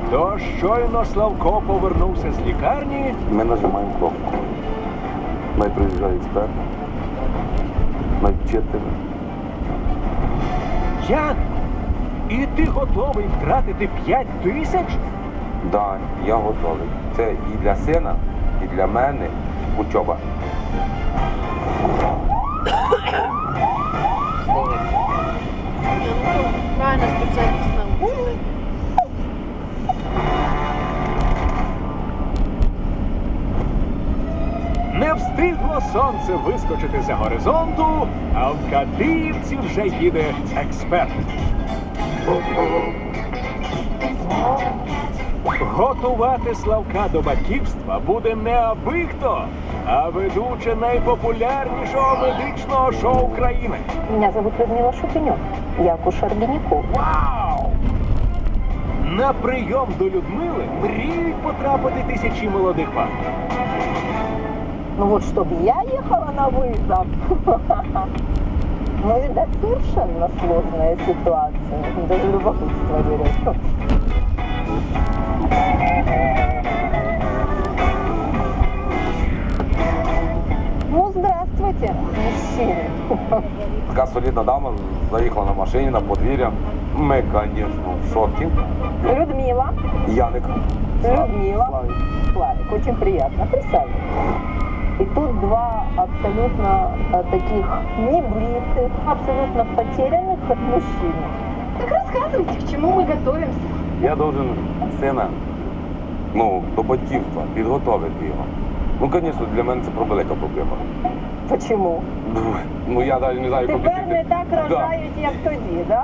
То щойно Славко повернувся з лікарні, Ми нажимаємо кнопку. Най приїжджає експерт, най вчитель. Ян, і ти готовий втратити 5 тисяч? Да, я готовий. Це і для сина, і для мене учоба. Правильно, специалист науки. Не встигло сонце вискочити за горизонту, а в Кадиївці вже їде експерт. Готувати Славка до батьківства буде не аби хто, а ведуча найпопулярнішого медичного шоу країни. Меня зовут Людмила Шупенек. Я акушер-гинеколог. Вау! На прийом до Людмили мріють потрапити тисячі молодих пар. Ну вот, чтобы я ехала на вызов. Ну, видать, совершенно сложная ситуация. Даже любопытство берет. Ну, здравствуйте, мужчины. Така солідна дама заїхала на машині на подвір'я. Ми, звісно, в шокі. Людмила. Яник. Людмила. Славік. Славик, очень приятно. Присаживайтесь. И тут два абсолютно таких небритых, абсолютно потерянных мужчины. Так рассказывайте, к чему мы готовимся. Я должен сина, до батьківства, підготовити його. Ну, звісно, для мене це велика проблема. Почему? Ну, я навіть не знаю, як Тепер не так Да. рожають, як тоді, да?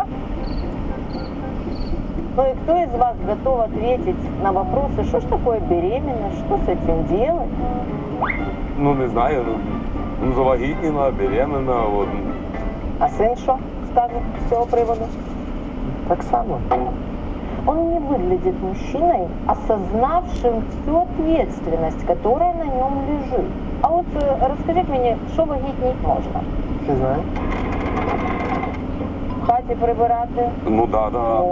Ну и кто из вас готов ответить на вопросы, что ж такое беременность, что с этим делать? Ну, не знаю, завагітніла, беременна, от. А сын что скажет с цього приводу? Так само. Он не выглядит мужчиной, осознавшим всю ответственность, которая на нем лежит. А вот расскажите мне, что вагітніть можна? Не знаю. В хаті прибирати, Ну, да.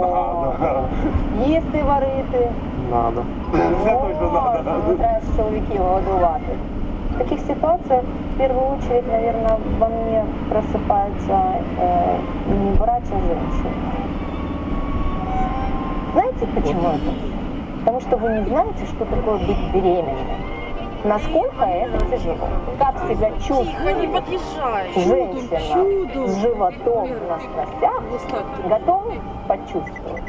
їсти варити. Надо. Це точно надо. Ну, треба ж чоловіків годувати. В таких ситуациях в первую очередь, наверное, во мне просыпается не врач, а женщина. Знаете, почему это? Потому что вы не знаете, что такое быть беременной. Насколько это тяжело. Как себя Тихо, не чувствует подъезжай. женщина с животом на сносях, готовы почувствовать.